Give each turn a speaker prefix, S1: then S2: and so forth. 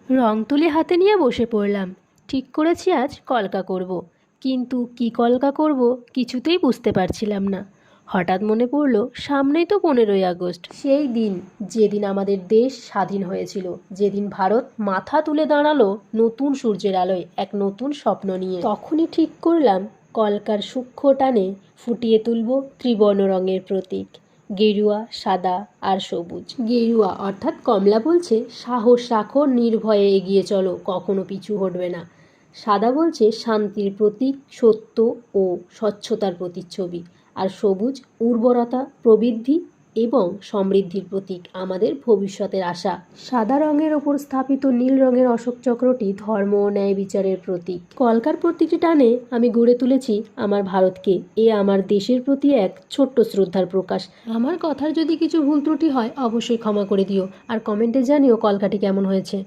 S1: রং তুলি হাতে নিয়ে বসে পড়লাম। ঠিক করেছি আজ কলকা করব, কিন্তু কি কলকা করব কিছুতেই বুঝতে পারছিলাম না। হঠাৎ মনে পড়ল সামনেই তো 15ই আগস্ট, সেই দিন যেদিন আমাদের দেশ স্বাধীন হয়েছিল, যেদিন ভারত মাথা তুলে দাঁড়ালো নতুন সূর্যের আলোয় এক নতুন স্বপ্ন নিয়ে। তখনই ঠিক করলাম কলকার সূক্ষ্ম টানে ফুটিয়ে তুলব ত্রিবর্ণ রঙের প্রতীক, গেরুয়া, সাদা আর সবুজ। গেরুয়া অর্থাৎ কমলা বলছে সাহস রাখো, নির্ভয়ে এগিয়ে চলো, কখনো পিছু হটবে না। সাদা বলছে শান্তির প্রতীক, সত্য ও স্বচ্ছতার প্রতিচ্ছবি। আর সবুজ উর্বরতা, প্রবৃদ্ধি এবং সমৃদ্ধির প্রতীক, আমাদের ভবিষ্যতের আশা। সাদা রঙের ওপর স্থাপিত নীল রঙের অশোক চক্রটি ধর্ম ও ন্যায় বিচারের প্রতীক। কলকার প্রতীকটি টানে আমি গড়ে তুলেছি আমার ভারতকে। এ আমার দেশের প্রতি এক ছোট্ট শ্রদ্ধার প্রকাশ। আমার কথার যদি কিছু ভুল ত্রুটি হয় অবশ্যই ক্ষমা করে দিও, আর কমেন্টে জানিও কলকাটি কেমন হয়েছে।